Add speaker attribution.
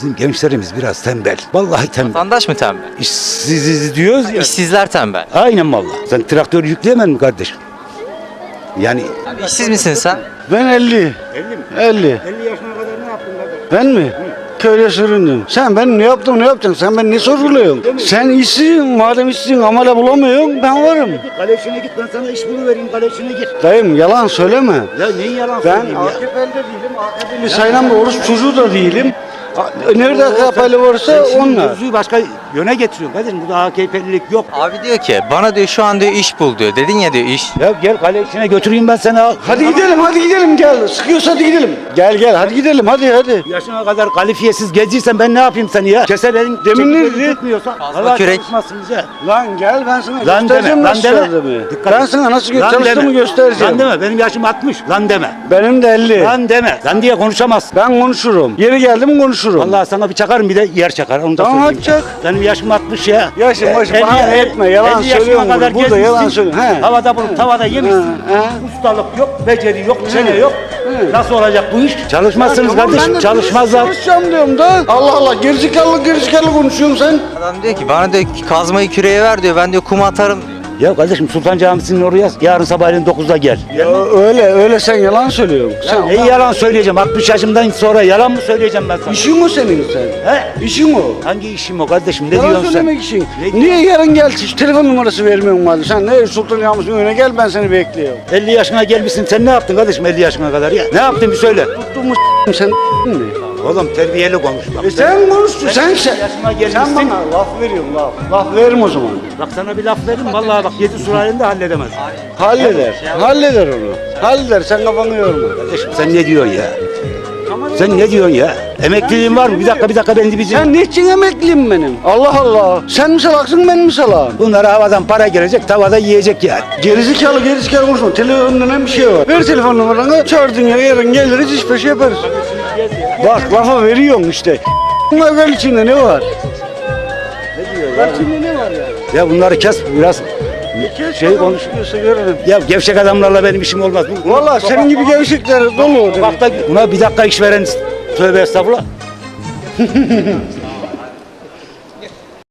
Speaker 1: Bizim gençlerimiz biraz tembel. Vallahi tembel.
Speaker 2: Vatandaş mı tembel?
Speaker 1: İşsiz diyoruz ya.
Speaker 2: İşsizler tembel.
Speaker 1: Aynen vallahi. Sen traktör yükleyemem mi kardeşim? Yani
Speaker 2: Abi işsiz misin sen?
Speaker 3: Ben 50.
Speaker 1: 50 mi?
Speaker 3: 50.
Speaker 1: 50 yaşına kadar ne yaptın kardeşim?
Speaker 3: Ben mi? Köyde süründüm. Sen ben ne yaptım ne yapacaksın? Sen ben ne sorguluyorsun? Sen işsizsin. Madem işsizsin amele bulamıyorsun ben varım.
Speaker 1: Kale içine git, ben sana iş buluvereyim, kale içine gir.
Speaker 3: Dayım yalan söyleme.
Speaker 1: Ya neyin yalan
Speaker 3: Ben
Speaker 1: söyleyeyim ya?
Speaker 3: AKP'li de değilim. AKP'li sayılan bir oruç çocuğu da değilim. Nerede AKP'li varsa
Speaker 1: Sen şimdi
Speaker 3: onlar.
Speaker 1: mevzuyu başka yöne getiriyorsun kardeşim. Burada AKP'lilik yok.
Speaker 2: Abi diyor ki bana diyor şu an diyor iş bul diyor. Dedin ya diyor iş.
Speaker 1: Ya gel kale içine götüreyim ben seni.
Speaker 3: Hadi gidelim gel. Sıkıyorsa hadi gidelim. Gel hadi gidelim hadi.
Speaker 1: Yaşına kadar kalifiyesiz geziysen ben ne yapayım seni ya? Keselerin
Speaker 3: Demin ne
Speaker 1: çekip
Speaker 3: dedi?
Speaker 1: tutmuyorsa.
Speaker 2: Fazla
Speaker 1: vallahi
Speaker 2: kürek.
Speaker 1: çalışmazsınız ya.
Speaker 3: Lan gel ben sana
Speaker 1: Lan
Speaker 3: göstereceğim
Speaker 1: deme,
Speaker 3: nasıl
Speaker 1: lan deme.
Speaker 3: çalıştığımı.
Speaker 1: Dikkat
Speaker 3: Ben
Speaker 1: et.
Speaker 3: sana nasıl
Speaker 1: Lan
Speaker 3: çalıştığımı
Speaker 1: deme.
Speaker 3: göstereceğim.
Speaker 1: Lan deme, benim yaşım 60. Lan deme.
Speaker 3: Benim de 50.
Speaker 1: Lan deme. Lan diye konuşamazsın.
Speaker 3: Ben konuşurum. Yeri geldi mi konuşurum.
Speaker 1: Vallahi sana bir çakarım, bir de yer çakar. Onu da
Speaker 3: Tamam,
Speaker 1: söyleyeyim.
Speaker 3: hadi çak.
Speaker 1: Benim yaşım 60 ya.
Speaker 3: Yaşım başım
Speaker 1: 50
Speaker 3: bahane etme, yalan
Speaker 1: 50 yaşına
Speaker 3: söylüyorum
Speaker 1: kadar
Speaker 3: burada yalan
Speaker 1: gezmişsin.
Speaker 3: söylüyorum. He.
Speaker 1: Havada bulup tavada yemişsin.
Speaker 3: He.
Speaker 1: Ustalık yok, beceri yok, çene yok.
Speaker 3: He.
Speaker 1: Nasıl olacak bu iş? Çalışmazsınız
Speaker 3: Tamam, ben
Speaker 1: kardeşim,
Speaker 3: de
Speaker 1: çalışmazlar.
Speaker 3: Çalışacağım diyorum da. Allah Allah gerizekalı konuşuyorsun sen.
Speaker 2: Adam diyor ki bana diyor ki kazmayı küreye ver diyor. Ben diyor kum atarım diyor.
Speaker 1: Ya kardeşim Sultan Camisi'nin oraya yarın sabahleyin 9'da gel.
Speaker 3: Ya öyle sen yalan söylüyorsun. Sen
Speaker 1: Neyi yalan söyleyeceğim? 60 yaşımdan sonra yalan mı söyleyeceğim ben sana?
Speaker 3: İşin o senin sen.
Speaker 1: He?
Speaker 3: İşin o.
Speaker 1: Hangi işim o kardeşim? Ne
Speaker 3: Yalan
Speaker 1: diyorsun sen?
Speaker 3: söylemek için.
Speaker 1: Ne
Speaker 3: Niye yarın gel hiç telefon numarası vermiyorsun madem? Sen ne Sultan Yağmur'un önüne gel ben seni bekliyorum.
Speaker 1: 50 yaşına gelmişsin. Sen ne yaptın kardeşim 50 yaşına kadar ya? Ne yaptın bir söyle.
Speaker 3: Tuttuğumu sen mi?
Speaker 1: Oğlum terbiyeli konuş bak.
Speaker 3: Sen konuştun sen.
Speaker 1: yaşına
Speaker 3: Sen
Speaker 1: gelmişsin.
Speaker 3: bana laf veriyorsun laf. Laf veririm o zaman.
Speaker 1: Bak sana bir laf verdim. Vallahi bak 7 sülalinde halledemez.
Speaker 3: Halleder onu. Halleder sen kafanı yorma.
Speaker 1: Kardeşim sen ne diyorsun ya? Sen ne diyorsun ya? Emekliliğin var mı? Bir dakika ben bir
Speaker 3: Sen niçin emekliyim benim? Allah Allah. Sen mi salaksın ben mi salağım?
Speaker 1: Bunlara havadan para gelecek, tavada yiyecek yani.
Speaker 3: Gerizekalı konuşma. Telefonda bir şey var. Ver telefon numaranı. Çağırdın ya yarın geliriz iş peşi yaparız. Bak lafa veriyorsun işte. Bunlar içinde ne var?
Speaker 1: Ne diyor
Speaker 3: Ver içinde ne var ya?
Speaker 1: Ya bunları kes biraz şey konuş.
Speaker 3: Konuşuyorsa görelim.
Speaker 1: Ya gevşek adamlarla benim işim olmaz.
Speaker 3: Valla senin gibi gevşekler dolu.
Speaker 1: Bak da buna bir dakika iş veren tövbe estağfurullah.